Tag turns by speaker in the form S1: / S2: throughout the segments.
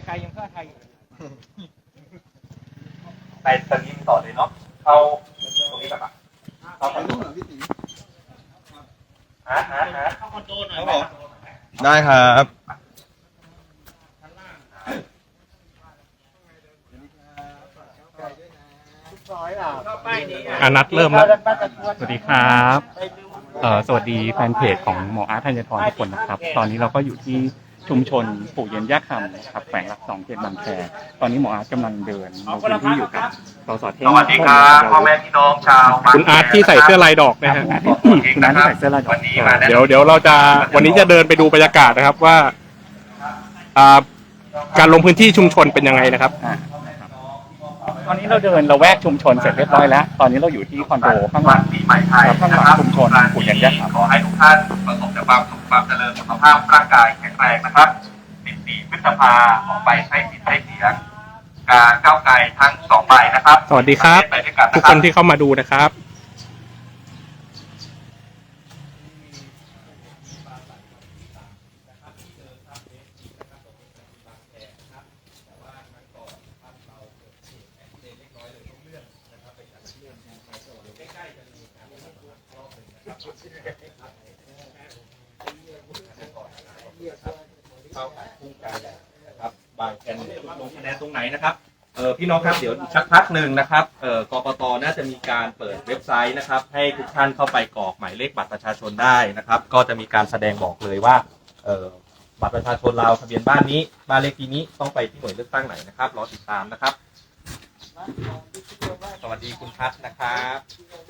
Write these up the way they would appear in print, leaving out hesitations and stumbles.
S1: ไกลยังเพื่อไทย
S2: ไปตอนนี้ต่อเลยเนาะเข้าตรงนี้แบบเข้าคอนโดเข้าคอนโดหน่อย
S3: ได้ครับ
S4: นัดเริ่มแล้วสวัสดีครับสวัสดีแฟนเพจของหมออาร์ตธัญทรทุกคนนะครับตอนนี้เราก็อยู่ที่ชุมชนปู่เย็นย่าคำนะครับแขวงหลัก2เขตบางแคตอนนี้หมออาร์ตกำลังเดินลงพื้นที่อยู่กับสสเท่ง
S2: สวัสดีครับพ่อแม่พี่น้องชาว
S4: คุณอาร์ตที่ใส่เสื้อลายดอกนะฮะคุณอาร์ตที่ใส่เสื้อลายดอกเดี๋ยวเราจะวันนี้จะเดินไปดูบรรยากาศนะครับว่าการลงพื้นที่ชุมชนเป็นยังไงนะครับตอนนี้เราเดินละแวกชุมชนเสร็จเรียบร้อยแล้วตอนนี้เราอยู่ที่คอนโดข้างหลัง
S2: ปีใหม่ไทย
S4: ข้างหลังชุมชนปู่เย็นย่าคำ
S2: ขอให้ทุกท่านประสบแต่ความสุขความเจริญสุขภาพร่างกายแข็งแรงนะครับ14 พฤษภาออกไปใช้สิทธิ์ใช้เสียงการก้าวไกลทั้ง2ใบนะครับ
S4: สวัสดีครับทุกคนที่เข้ามาดูนะครับ
S2: นะครับบางแคนลงคะแนนตรงไหนนะครับพี่น้องครับเดี๋ยวสักพักหนึ่งนะครับกกต.น่าจะมีการเปิดเว็บไซต์นะครับให้ทุกท่านเข้าไปกรอกหมายเลขบัตรประชาชนได้นะครับก็จะมีการแสดงบอกเลยว่าบัตรประชาชนเราทะเบียนบ้านนี้บ้านเลขที่นี้ต้องไปที่หน่วยเลือกตั้งไหนนะครับรอติดตามนะครับสวัสดีคุณพัฒนะครับ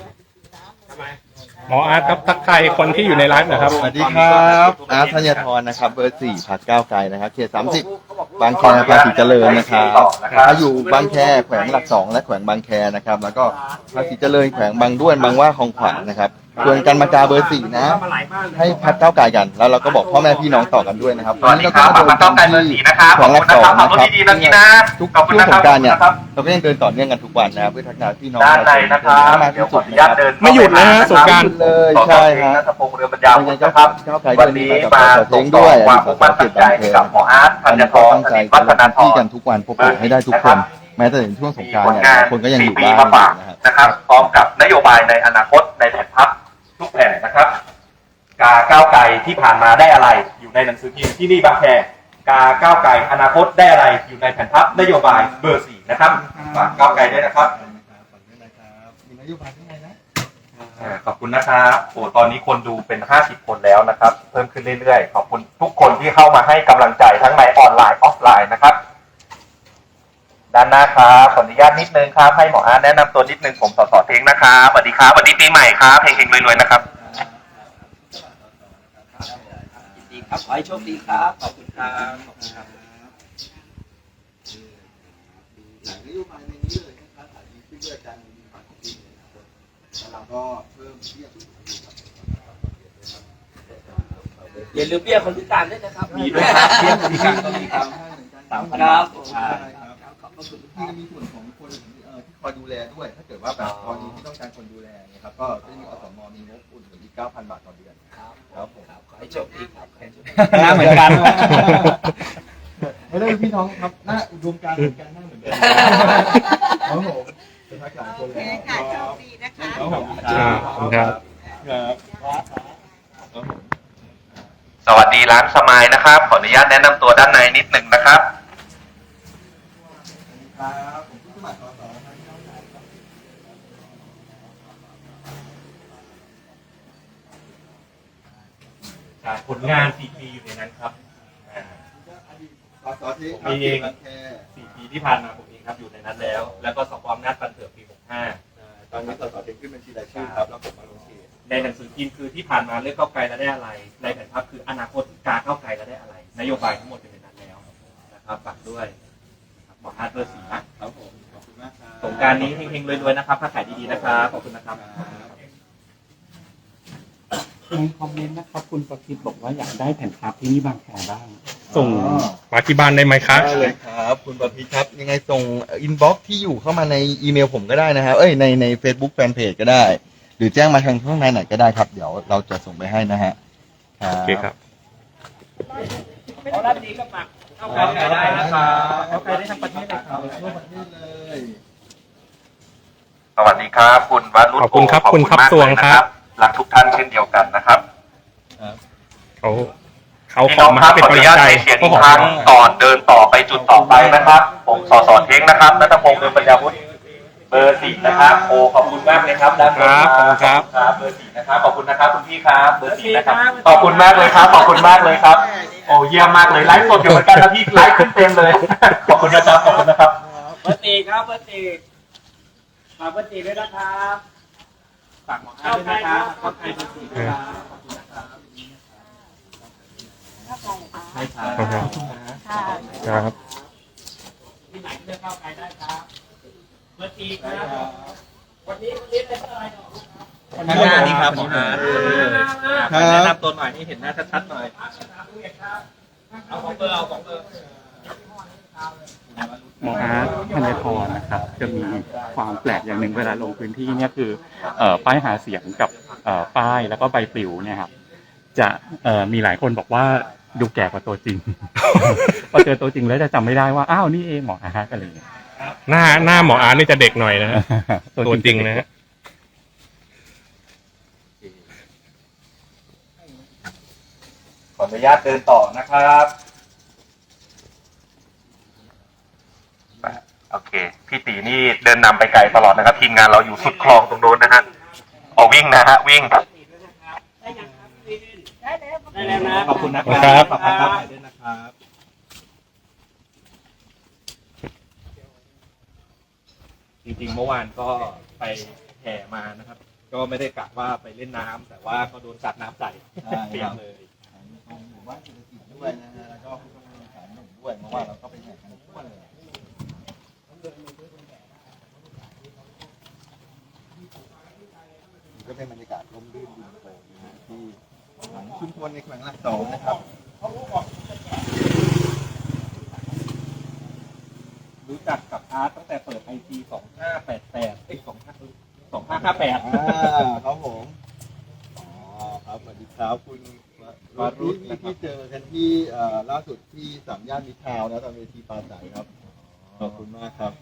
S4: หมออาร์ตครับทักทายคนที่อยู่ในไลฟ์นะครับ
S3: สวัสดีครับอาร์ตธัญทรนะครับเบอร์ 4 พรรคก้าวไกลนะครับเขต 30 บางแคภาษีเจริญนะครับถ้าอยู่บางแคแขวงหลัก 2และแขวงบางแคนะครับแล้วก็ภาษีเจริญแขวงบางด้วนบางว่าคลองขวางนะครับส่วนกันมากาเบอร์ 4นะให้พรรคก้าวไกลกันแล้วเราก็บอกพ่อแม่พี่น้องต่อกันด้วยนะครับ
S2: สวัสดีครับพรรคก้าวไกลเบอร์ 4นะครับขอบคุณนะครับขับรถดีๆนะพี่นะ
S3: ทุกช่วงสงกรานต์เนี่ยเราก็ยังเดินต่อเนื่องกันทุกวันนะครับเพื่อทักทายพี่น้อง
S2: ด้านในนะครับเดี๋ยวขออนุญาตเดิน
S4: ไม่หยุดนะฮะสงกรานต์
S3: เลยใช่ฮะ
S2: นัทพงษ์เรือบรรยาวนะครับวันนี้มาส่งต่อความมุ่งมั่นตั้งใจให้กับหมออาร์ตธัญทรวัฒนธร
S3: ที่กันทุกวันพบปะให้ได้ทุกคนแม้แต่ในช่วงสงกรานต์เนี่ยคนก็ยังอยู่บ้าน
S2: นะครับพร้อมกับนโยบายในอนาคตในแผนพัฒน์ทุกแผนนะครับกาก้าวไกลที่ผ่านมาได้อะไรอยู่ในหนังสือพิมพ์ที่นี่บางแคกาก้าวไกลอนาคตได้อะไรอยู่ในแผนพัฒน์นโยบายเบอร์ 4นะครับฝากก้าวไกลด้วยนะครับ
S3: มีนโยบายที่ไหนนะ
S2: ขอบคุณนะครับโอ้ตอนนี้คนดูเป็น50 คนแล้วนะครับเพิ่มขึ้นเรื่อยๆขอบคุณทุกคนที่เข้ามาให้กำลังใจทั้งในออนไลน์ออฟไลน์นะครับด้านหน้าครับขออนุญาตนิดนึงครับให้หมออาร์ตแนะนำตัวนิดนึงผมสสเทงนะครับสวัสดีครับสวัสดีปีใหม่ครับเฮงๆรวยๆนะครับ
S1: ดีครับขอให้โชคดีครับขอบคุณครับขอบคุณครับ
S3: หลายนโยบายในนี้เลยนะครับอาจจะขึ้นด้วยการมีฝั่งของปีแล้วเราก็เพิ่มเบี้ย
S1: อย่าลืมเบี้ยคนพิการด้วยนะครับ
S2: มีด้วยครับเบี้ยคนพิการก็มีครับ
S1: 3,000 ครับ
S3: ขอบคุณที่มีส่วนของคนที่คอยดูแลด้วยถ้าเกิดว่าแบบกรณีที่ต้องการคนดูแลนะครับก็จะมีอสมมีงบอุ่นอีก 9,000 บาทต่อเดือน
S1: ครับผมขอให้โชคดีครับ
S4: หน้าเหมือนกัน
S3: ไม่ได้พี่น้องครับหน้าอุดมการณ์เหมือนกันหน้าเหมือนกันครับผมเป็นทักษะคนแล้ว
S5: ค่ะโชคดีนะคะ
S3: ครับผม
S4: ครับ
S2: สวัสดีร้านสมายนะครับขออนุญาตแนะนำตัวด้านในนิดหนึ่งนะครับผลงาน4 ปีอยู่ในนั้นครับมีเอง4 ปีที่ผ่านมาผมเองครับอยู่ในนั้นแล้วก็สปอมนัดปันเถิดปี 65
S3: ตอนนี้สสเทงขึ้นบัญชีรายชื่อครับแล้วผมมาลงชื่อ
S2: ในหนังสือพิมพ์คือที่ผ่านมาเลือกก้าวไกลแล้วได้อะไรในแผนภาพคืออนาคตการก้าวไกลแล้วได้อะไรนโยบายทั้งหมดอยู่ในนั้นแล้วนะครับฝากด้วยหมออาร์ตเบอร์ 4
S3: นะครับผมขอบคุณมากครับ
S2: สงกรานต์นี้เฮงๆรวยๆนะครับค้าขายดีๆนะครับขอบคุณนะครับ
S4: ในคอมเมนต์นะครับคุณประคิดบอกว่าอยากได้แผ่นพับที่นี่บางแคบ้างส่งมาที่บ้านได้ไหมครับ
S3: ได้เลยครับคุณประพิชครับยังไงส่งอินบ็อกซ์ที่อยู่เข้ามาในอีเมลผมก็ได้นะครับใน Facebook Fanpage ก็ได้หรือแจ้งมาทางข้างในไหนก็ได้ครับเดี๋ยวเราจะส่งไปให้นะฮะ
S4: โอเคครับ
S1: ขอรับดีก็ฝาก
S2: เข้าใครได้นะครับ
S4: เข้าใครได้ทั้งประเทศเลยครับ
S3: ทั่วประเทศเลย
S2: สวัสดีครับคุณวรุษ
S5: ขอบคุณครับคุณทับสวงครับ
S2: รักทุกท่านเช่นเดียวกันนะครับ
S5: เขา
S2: พี่
S5: ข
S2: น้
S5: อ
S2: อง
S5: มา
S2: ครับ
S5: เป็น
S2: ขออนุ
S5: กำลัง
S2: ญาต
S5: ใจ
S2: ใช้เสียงอีกครั้งก่อนเดินต่อไปจุดต่อไปนะครับผมสสเท้งนะครับณัฐพงษ์เดินปัญญาวุฒิเบอร์ 4นะครับโอ้ขอบคุณมากเลยครับด้านบน
S5: ครับ
S2: ครับเบอร์ 4นะครับขอบคุณนะครับคุณพี่ครับเบอร์ 4นะครับขอบคุณมากเลยครับขอบคุณมากเลยครับโอ้เยี่ยมมากเลยไลฟ์สดอยู่เหมือนกันนะพี่ไลฟ์ขึ้นเต็มเลยขอบคุณนะครับขอบคุณนะครับ
S1: เบอร์ตีครับเบอร์ตีฝากเบอร์ตีด้วยนะครับฝากหมออาร์ตด้วยนะครับเข้าใครเบอร์ตีด้วยครับขอบคุณนะครับใช่ครับ
S5: ครับ
S1: ที่ไหนก็เลือกเข้าใครได้ครับเบอร์ตีครับวันนี้เป็นอะไรหรอ
S2: ข้างหน้านี้ครับหมออาร์ตแนะนำตัวหน่อยให้เห็นหน้าชัดๆหน่อยเอาของเบอร์เอาของเบอร์
S4: หมออาร์ตธัญพรนะครับจะมีความแปลกอย่างหนึ่งเวลาลงพื้นที่เนี่ยคือป้ายหาเสียงกับป้ายแล้วก็ใบปลิวเนี่ยครับจะมีหลายคนบอกว่าดูแก่กว่าตัวจริง พอเจอตัวจริงแล้วจะจำไม่ได้ว่าอ้าวนี่เองหมออาร์ตอะไรอย่างเงี้ย
S5: หน้าหมออาร์ตนี่จะเด็กหน่อยนะฮะตัวจริงนะฮะ
S2: ขออนุญาตเดินต่อนะครับโอเคพี่ตีนี่เดินนำไปไกลตลอดนะครับทีมงานเราอยู่สุดคลองตรงโน้นนะฮะเอาวิ่งนะฮะวิ่ง
S1: ได้แล้วนะ
S2: ขอบคุณนะครับขอบคุณครับด้วยนะครับจริงๆเมื่อวานก็ไปแห่มานะครับ ก็ไม่ได้กะว่าไปเล่นน้ำแต่ว่าก็โดนสัตว์น้ำใส่เปียกเลย
S3: ตรงหมู่บ้านเศรษฐกิจด้วยนะฮะแล้วก็ผู้บริหารหนุ่มด้วยเพราะว่าเราก็ไปแข่งกันทั่วเลยก็เป็นบรรยากาศร่มรื่นดีโปร่งนะฮะที่หลังชุมชนในแขวงหลักสองนะครับ
S2: รู้จักกับอาร์ตตั้งแต่เปิดไอที2588ไอ้2558
S3: ครับผมอ๋อครับสวัสดีครับคุณวารุษที่เจอกันที่ล่าสุดที่สามย่านมิตรทาวน์นะตอนเวทีปราศัยครับขอบคุณมากครับ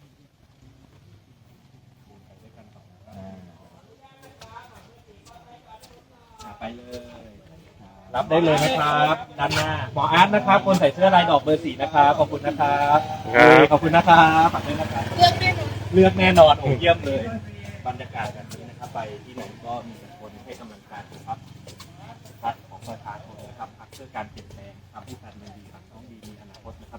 S2: ไปเลยรับได้เลยนะครับด้านหน้าหมออาร์ตนะครับคนใส่เสื้อลายดอกเบอร์ 4นะครับขอบคุณนะครับขอบคุณนะครับฝากด้วยนะครับเลือกแน่นอนโอ้เยี่ยมเลยบรรยากาศแบบนี้นะครับไปที่ไหนก็มีแต่คนให้กำลังใจครับพักของประชาชนนะครับพักเพื่อการเปลี่ยนแปลงทำให้การเมืองดีครับต้องดีมีอนาคตนะครับ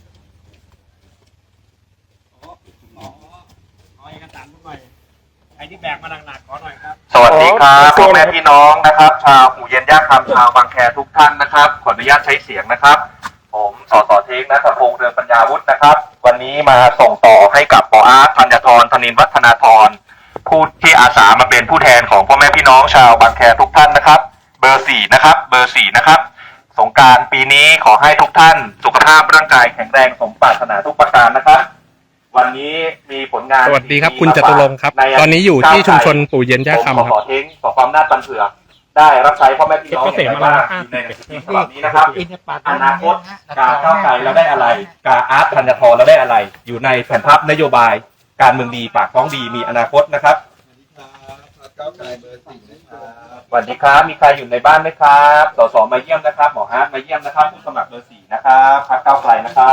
S1: ขอเอกสารหน่อยใครที่แบกมาหนักๆขอหน่อยครับ
S2: สวัสดีครับพ่อแม่พี่น้องนะครับชาวหูเย็นย่าคำชาวบางแคทุกท่านนะครับขออนุญาตใช้เสียงนะครับผมสสเทงณัฐพงษ์เรืองปัญญาวุฒินะครับวันนี้มาส่งต่อให้กับหมออาร์ตธัญธรธนินทร์วัฒนาธรผู้ที่อาสามาเป็นผู้แทนของพ่อแม่พี่น้องชาวบางแคทุกท่านนะครับเบอร์ 4นะครับเบอร์ 4นะครับสงกรานต์ปีนี้ขอให้ทุกท่านสุขภาพร่างกายแข็งแรงสมปรารถนาทุกประการนะครับวันนี้มีผลงาน
S5: สวัสดีครับคุณจตุรงค์ครับตอนนี้อยู่ที่ชุมชนปู่เย็นย่าคำ
S2: ผม
S5: ค
S2: ข
S5: รั
S2: อบ เทงขอความน่าตันเผือกได้รับใช้พ่อแม่พี่น้องอย่างไรบ้างอยู่ในหนังสือพิมพ์ฉบับนี้นะครับอนาคตกาก้าวไกลแล้วได้อะไรกาอาร์ตธัญธรแล้วได้อะไร อยู่ในแผนภาพนโยบายการเมืองดีปากท้องดีมีอนาคตนะครับ
S3: สวัสดีครับพรรคก้าวไกลเบอร์ 4นะครับ
S2: สวัสดีครับมีใครอยู่ในบ้านไหมครับสสมาเยี่ยมนะครับหมออาร์ตมาเยี่ยมนะครับผู้สมัครเบอร์ 4นะครับพรรคก้าวไกลนะครับ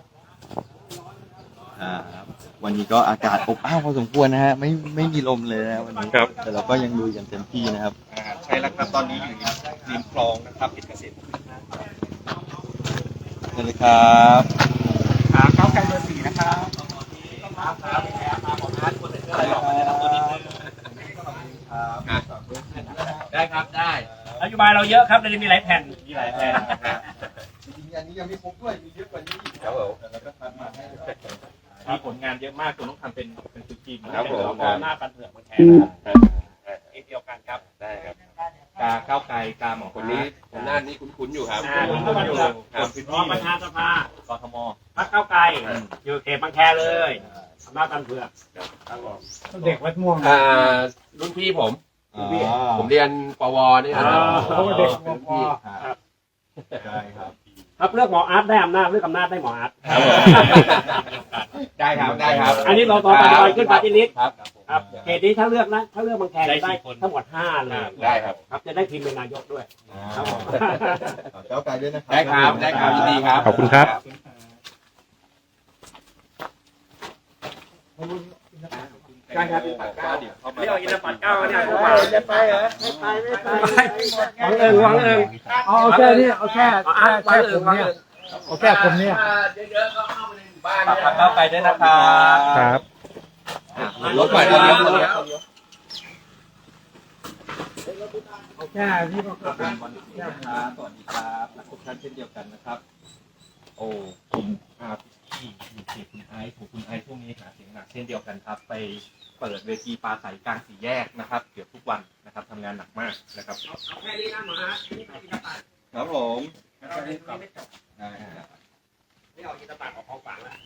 S3: วันนี้ก็อากาศอบอ้าวพอสมควรนะฮะไม่มีลมเลยนะวันนี้
S5: ครับ
S3: แต่เราก็ยังลุยกันเต็มที่นะครับ
S2: ใช่แล้วครับตอนนี้อยู่ริมคลองนะครับติดเกษตร
S3: สวัสดีครับ
S2: ก้าวไกลเบอร์ 4นะครับครับมาหมออาร์ตคนใส่เสื้อลายดอกมาแนะนำตัวนิดนึงได้ครับได้
S1: นโยบายเราเยอะครับเราจะมีหลายแผ่นมีหลายแผ่น
S3: จริงๆอันนี้ยังไม่ครบด้วยมีเยอะกว่านี้อีก
S2: ครับผม
S3: แต่เราก็ทำมาให้
S2: มีผลงานเยอะมากคุณต้องทำเป็นจุดจีน
S1: ครับผมหน้าปันเผือกมาแทนเดียวกันครับ
S2: ได้ครับกาก้าวไกลกาหมอคนนี้
S6: ผมหน้านี้คุ้นๆอยู่ครับ
S1: คุณก็มาดูรองประธานสภาก
S2: ทม
S1: พรรคก้าวไกลอยู่เขตบางแคเลยอำนาจปันเผือกเด็กวัดม่วง
S6: รุ่นพี่ผม
S3: อ๋อ
S6: ผมเรียนปวนี่ครับ
S1: เด็ก
S6: รุ่นพี่
S3: ได้ครับ
S1: ถ้า
S7: ครับเลือกหมออาร์ตได้อำนาจเลือกอำนาจได้หมออาร์ต
S6: ได้ครับได้ครับ
S7: อันนี้เราต่อปัจจุบันขึ้นปาร์ตี้ลิสต์
S6: ครับ
S7: ครับเขตนี้ถ้าเลือกนะถ้าเลือกบางแคได้ทั้งหมด5เลย
S6: ได้ครับ
S7: ครับจะได้พิมพ์เป็นนายกด้วยครับผม
S3: เจ้าไก่ด้วยนะครับ
S6: ได้ครับได้ครับยินดีครับ
S5: ขอบคุณครับ
S7: ใช่ครับ
S2: เดี๋ยวเข้ามา
S7: นี่เอาอินทปัตเก้าเนี่ยเข้ามา
S1: จะไปเหรอไม่ไป
S7: หวังเอิง
S1: เอาแค่นี้เอาแค่ผมเนี่ยเอาแค่ผมเนี่ย
S6: เยอะๆก็เข้ามาในหมู่บ้าน
S2: ฝากทางเข้าไปด้วยนะครับ
S5: ครับ
S6: รถใหม่ตอนนี้
S1: เอาแค่นี้ก็
S2: ขอบคุณวันนี้นะครับสวัสดีครับและทุกท่านเช่นเดียวกันนะครับ โอ้กลุ่มที่อยู่เขตคุณไอซ์ของคุณไอซ์ช่วงนี้หาเสียงหนักเช่นเดียวกันครับ ไปเปิดเวทีปราศัยกลางสี่แยกนะครับเกือบทุกวันนะครับทำงานหนักมากนะครับ
S7: เอาแค่นี้นะหมออาร์ตนี่เอาอินทปัต
S3: ครับผม
S7: ไม่จบ
S3: ได้ครับ
S7: นี่เอาอินทปัตออกของฝากแล้ว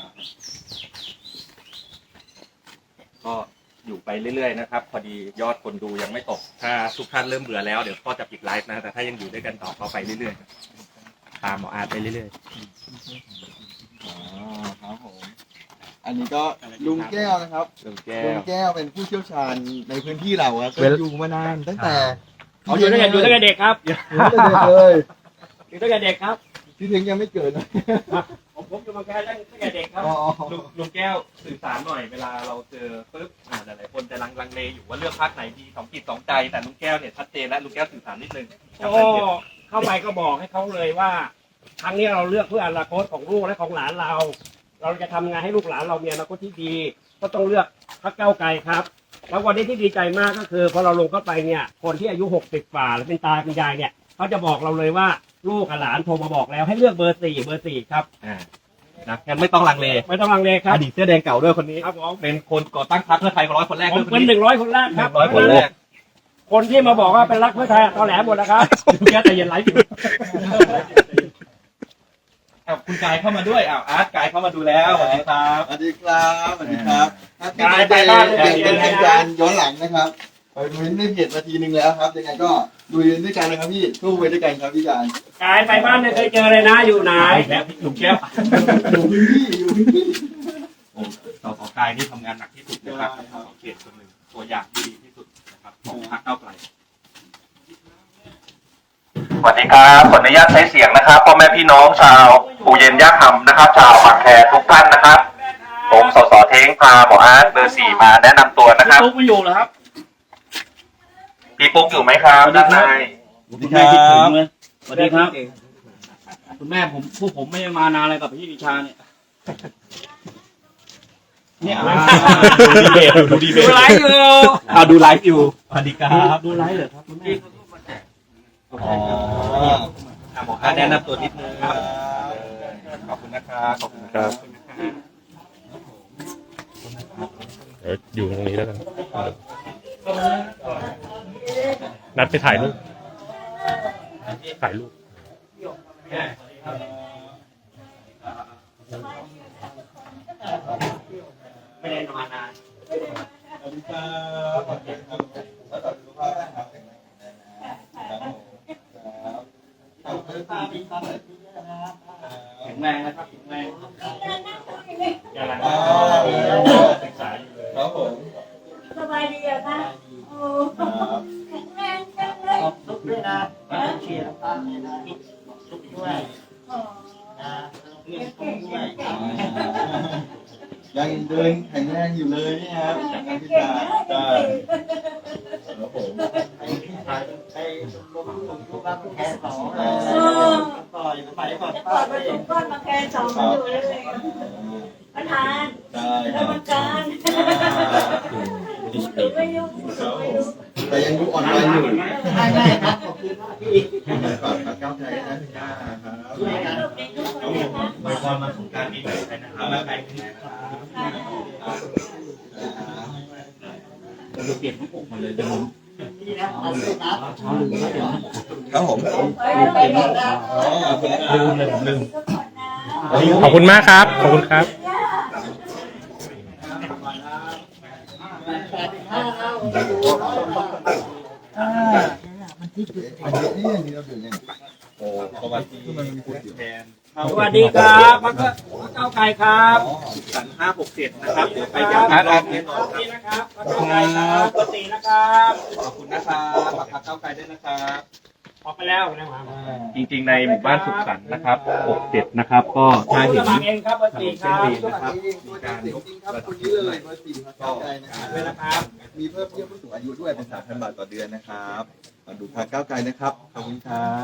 S2: ก็อยู่ไปเรื่อยๆนะครับ พอดียอดคนดูยังไม่ตก ถ้าทุกท่านเริ่มเบื่อแล้วเดี๋ยวก็จะปิดไลฟ์นะแต่ถ้ายังอยู่ด้วยกันต่อก็ไปเรื่อยๆตามหมออาร์ตไปเรื่อย
S3: อ๋อครับผมอันนี้ก็ลุงแก้วนะครับ
S2: ๆลุงแก้
S3: ลุ
S2: ว
S3: งแก้วเป็นผู้เชี่ยวชาญในพื้นที่เราครับก็อยู่มานานตั้งแต่
S7: เขาอยู่ตั้งแต่เด็กครับ
S3: อยู่ตั้งแต่เด็กเลย
S7: อยู่ตั้งแต่เด็กครับ
S3: พี่เทงยังไม่เกิดนะ
S7: ผมอยู่บางแคตั้งแต่เด็กครับ
S3: อ๋อ
S2: ลุงแก้วสื่อสารหน่อยเวลาเราเจอปุ๊บหลายๆคนจะลังเลอยู่ว่าเลือกพรรคไหนดีสองจิตสองใจแต่ลุงแก้วเนี่ยชัดเจนและลุงแก้วสื่อสารนิดนึงกับ
S7: โอ้
S2: แฟนเพจ
S7: เข้าไปก็บอกให้เขาเลยว่าครั้งนี้เราเลือกเพื่ออนาคตของลูกและของหลานเรา เราจะทำงานให้ลูกหลานเรามีอนาคตที่ดี ก็ต้องเลือกพรรคก้าวไกลครับ แล้ววันนี้ที่ดีใจมากก็คือพอเราลงเข้าไปเนี่ยคนที่อายุ60 กว่าหรือเป็นตาเป็นยายเนี่ยเขาจะบอกเราเลยว่าลูกกับหลานโทรมาบอกแล้วให้เลือกเบอร์ 4ครับ
S2: นะงั้นไม่ต้องลังเล
S7: ไม่ต้องลังเลครับ
S2: อดีตเสื้อแดงเก่าด้วยคนนี้
S7: ครับผม
S2: เป็นคนก่อตั้งพรรคเพื่อไทย100 คนแรก
S7: ผม
S2: ด้วยคน
S7: เป็น
S2: นี้
S7: 100 คนแรกครับ
S2: 100 คนแรก
S7: คนที่มาบอกว่าเป็นรักเพื่อไทยตอแหลหมดแล้วครับแกแต่เย็นไลฟ์อยู่
S2: คุณกายเข้ามาด้วยอาร์ตกายเข้ามาดูแล้วสวัสดีครับ
S3: สวัสดีครับสวัสดีครับถ้า
S7: การไป
S3: เป็น
S7: บ้าน
S3: เป็นทางการย้อนหลังนะครับไปดูในเพจนาทีหนึ่งแล้วครับยังไงก็ดูด้วยกันนะครับพี่สู้ไปด้วยกันครับพี่การ
S7: กายไปบ้านเนี่ยเคยเจอเลยนะอยู่ไหน
S2: แล้วลุงแก้ว
S3: อยู่พื้นที่อยู่พื้นที่
S2: โอ้สสกายนี่ทำงานหนักที่สุดนะครับสสเขตคนหนึ่งตัวอย่างที่ดีที่สุดนะครับของพรรคก้าวไกลสวัสดีครับขออนุญาตใช้เสียงนะครับพ่อแม่พี่น้องชาวปู่เย็นย่าคำนะครับ ชาวบางแคทุกท่านนะครับ ผมสสเท้งพาหมออาร์ตเบอร์ 4มาแนะนำตัวนะครับ
S7: ปุ๊กไม่อยู่เหรอครับ
S2: พี่ปุ๊กอยู่ไหมครับด้านใน
S7: คุณแม่คิดถึงเลยสวัสดีครับ คุณแม่ผมไม่ได้มานานอะไรกับพี่วิชาเนี่ยเนี่ย
S2: ดูดีเบต
S7: ดูไลฟ์อยู่
S2: ดูไลฟ์อยู่สวัสดีครับ
S7: ดูไลฟ์เหรอครับคุณแม่
S2: อ๋อหมออาร์ตแนะนำตัวนิดนึงครับขอบคุณนะครับขอบคุณครับ
S5: เดี๋ยวอยู่ตรงนี้แล้วกัน นัดไปถ่ายรูป ถ่ายรูป
S7: ไม่ได้มานาน
S3: สวัสดีครับสวัสดีครับแล้วต่อสุขภาพนะครับแข็งแรงนะครับครับเบอร์สี่พี่ครับ
S7: แข็งแรงนะครับแข็งแรงกำลังศึกษาอยู่เลย
S3: ครับผม
S8: สบายดีอะคะโอ้
S3: ครับ
S8: แข็งแรงจังเลย
S1: ขอบคุณด้วยนะเชียร์ป้าเนี่ยนะทุกด้วย
S8: โอ้
S1: นะเรียนตุ้มด้วย
S3: ยังเดินแข็งแรงอยู่เลยนี่ครับจากการพิ
S8: เก่ง
S3: จาร
S8: นะ
S3: ณาครับผม
S1: ไปลงทุกบ้านแค่สองต่อยไปก่อน
S8: จะ
S1: ป้า
S8: เปิด
S1: เล
S8: ประ
S1: ย
S8: ตูก้อนมาแค่สองอยู่เลยประธาน
S3: ได้ค
S8: กร
S3: รับ
S8: รมการไม่ยุ่งไม่ยุ่ง
S3: แต่ยังดูอ่อนไหวอยู่
S1: ได้ครับขอบคุณมากพี่
S3: ฝากกับก้าวใจนะครับ
S8: ลูกเด็กทุกคนเลยนะ
S2: ไปตอนมาสงการปีใหม่ไปนะครับแล้วไปที่ไหนนะครับ
S7: เราเปลี่ยนทั้งปกมาเลยเดี๋ยวผม
S1: นี่นะเอาเลยนะ
S7: เช้าลืมแล้วเดี๋ยว
S3: ครับผม
S8: ไปหมดแล้ว
S7: ลืมเลยผมลืม
S8: ทุกคนนะ
S5: ขอบคุณมากครับ ขอบคุณครับ
S3: อันนี้เราดื่มยัง
S2: โอ้สวัสดีคุณแทน
S7: สวัสดีครับพรรคก้าวไกลครับ
S2: สัน567นะครับเดี๋ยวไป
S7: ค
S2: ย้ำ
S7: รับ
S2: อีกรอบหนึง
S7: นี่นะครับพรรคก้าวไกลครับเบอร์สี่นะครับ
S2: ขอบคุณนะครับฝากพรรคก้าวไกลด้วยนะครับ
S7: ออกไปแล้วนะมา
S2: จริงๆในหมู่บ้านสุขสันต์นะครับ67นะครับ ก็ถ้า
S7: ผู้
S2: เห็
S7: ส
S2: น
S7: มัครเองครับเบอร์สี่ครับ
S2: นะครับมีการยก
S3: ครับคนนี้เลยเบอร์สี่พรรคก้าวไกลนะครับ
S7: ด้วยนะครับ
S3: มีเพิ่มเบี้ยผู้สูงอายุด้วยเป็น 3,000 บาทต่อเดือนนะครับมาดูพรรคก้าวไกลนะครับขอบคุณครับ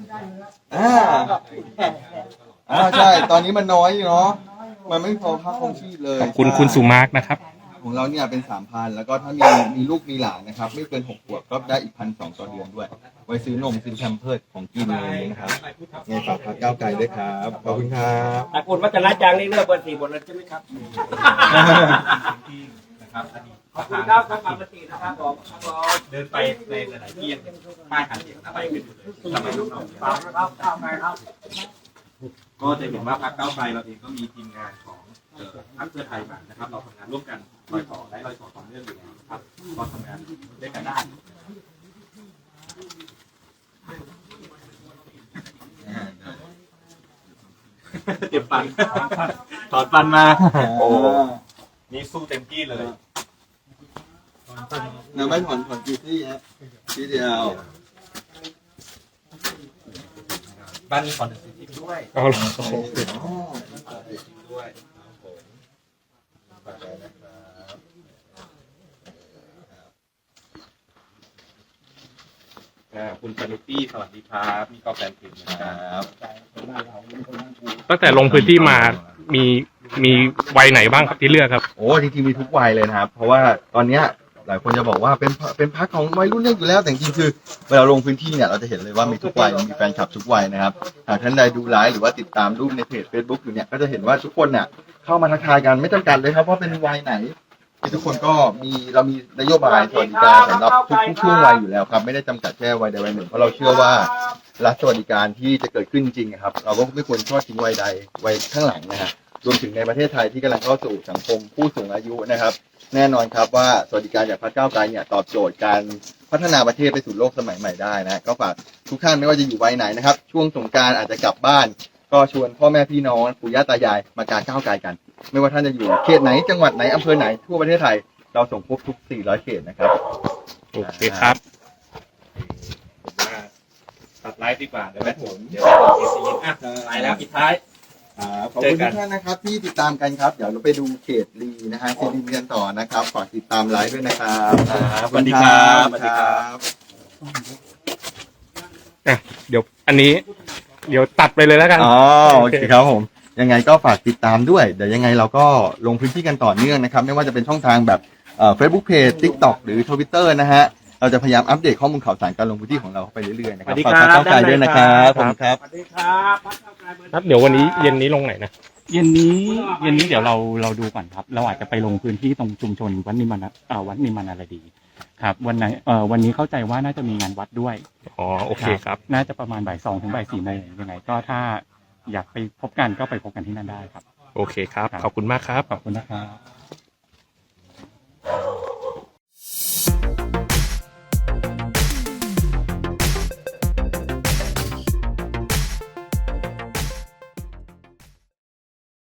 S3: ใช่ตอนนี้มันน้อยอยู่เนาะมันไม่พอค่าครองชีพเลย
S5: ขอบคุณคุณสุมาร์กนะครับ
S3: ของเราเนี่ยเป็น 3,000 แล้วก็ถ้ามีลูกมีหลานนะครับไม่เกิน6 ขวบก็ได้อีก 1,200 ต่อเดือนด้วย ไว้ซื้อนมซื้อแพมเพิร์สของกินอะไรอย่างเงี้ยนะครับไงฝากพรรคก้าวไกลด้วยครับขอบคุณครับ
S7: แต่คุณวัชรจังนี่เลือกเบอร์สี่หมดเลยใช่ไหมครับ
S2: นะครับอดีต
S7: ขอบคุณครับท่านเบอร์สี่นะครับผมครับผม
S2: เดินไปในหลายๆที่ยังเห็นป้ายหาเสียงอะไรขึ้นอยู่เลยสมัยรุ่นน้อง
S7: ฝากนะครับก้าวไกลครับ
S2: ก็จะเห็นว่าพรรคก้าวไกลเราเองก็มีทีมงานของพรรคเพื่อไทยมานะครับ เราทำงานร่วมกันรอยต่อและรอยต่อต่อเนื่องอยู่แล้วนะครับก็ทำงานด้วยกันได้เจ็บฟันถอนฟันมาโอ้นี่สู้เต็มที่เลย
S3: ยังไม่ถอนกี่ที่ฮะที่เดียว
S2: บ้านมีคอนเสิร์ตที่ด้วย
S5: เอาเหรอ
S2: ด้วยคุณปนุตี้สวัสดีครับมีก็แฟนเพลงนะครับ
S5: ตั้งแต่ลงพื้นที่มามีวัยไหนบ้างครับที่เลือกครับ
S3: โอ้จริงๆมีทุกวัยเลยนะครับ เพราะว่าตอนเนี้ยหลายคนจะบอกว่าเป็นพรรคของวัยรุ่นเลือกอยู่แล้วแต่จริงๆคือเวลาลงพื้นที่เนี่ยเราจะเห็นเลยว่ามีทุกวัยมีแฟนคลับทุกวัยนะครับหากท่านใดดูไลฟ์หรือว่าติดตามรูปในเพจ Facebook อยู่เนี่ยก็จะเห็นว่าทุกคนเนี่ยเข้ามาทักทายกันไม่จำกัดเลยครับว่าเป็นวัยไหนทุกคนก็เรามีนโยบายสวัสดิการสำหรับทุกช่วงวัยอยู่แล้วครับไม่ได้จำกัดแค่วัยใดวัยหนึ่งเพราะเราเชื่อว่ารัฐสวัสดิการที่จะเกิดขึ้นจริงๆครับเราก็ไม่ควรทอดทิ้งวัยใดวัยข้างหลังนะฮะรวมถึงในประเทศไทยที่กำลังเข้าสู่สังคมผู้สูงอายุนะครับแน่นอนครับว่าสวัสดิการจากพรรคก้าวไกลเนี่ยตอบโจทย์การพัฒนาประเทศไปสู่โลกสมัยใหม่ได้นะก็ฝากทุกท่านไม่ว่าจะอยู่วัยไหนนะครับช่วงสงกรานต์อาจจะกลับบ้านก็ชวนพ่อแม่พี่น้องปู่ย่าตายายมากางก้าวไกลกัน ไม่ว่าท่านจะอยู่เขตไหนจังหวัดไหนอำเภอไหนทั่วประเทศไทยเราส่งครบทุก400เขตนะครับ
S5: โอเคครับ
S2: ผมว่าตัดไลฟ์ดีกว่าเดี๋ยวแม่ผมเดี๋ยวผมเอซีอ่ะไปแล้วปิดท้าย
S3: ขอบคุณทุกท่านนะครับที่ติดตามกันครับเดี๋ยวเราไปดูเขตลีนะฮะซีรีส์กันต่อนะครับฝากติดตามไลฟ์ด้วยนะครับ
S2: สวัสดีครับสวัสดีครับ
S5: เดี๋ยวอันนี้เดี๋ยวตัดไปเลยแล้วกัน
S3: อ๋อโอเคครับผมยังไงก็ฝากติดตามด้วยเดี๋ยวยังไงเราก็ลงพื้นที่กันต่อเนื่องนะครับไม่ว่าจะเป็นช่องทางแบบFacebook Page TikTok หรือ Twitter นะฮะเราจะพยายามอัปเดตข้อมูลข่าวสารการลงพื้นที่ของเราไปเรื่อยๆนะครับฝากก้าวไกลด้วยนะครับขอบคุณครับ
S7: สวัสดีครับพรรคก้าวไกลเบอร์
S5: ครับเดี๋ยววันนี้เย็นนี้ลงไหนนะ
S4: เย็นนี้เดี๋ยวเราดูก่อนครับเราอาจจะไปลงพื้นที่ตรงชุมชนวัดนิมานอะไรดีครับวันนี้เข้าใจว่าน่าจะมีงานวัดด้วย
S5: อ๋อโอเคครับ
S4: น่าจะประมาณบ่าย 2 ถึงบ่าย 4 โมงยังไงก็ถ้าอยากไปพบกันก็ไปพบกันที่นั่นได้ครับ
S5: โอเคครับ ขอบคุณมากครับ
S4: ขอบคุณนะครับ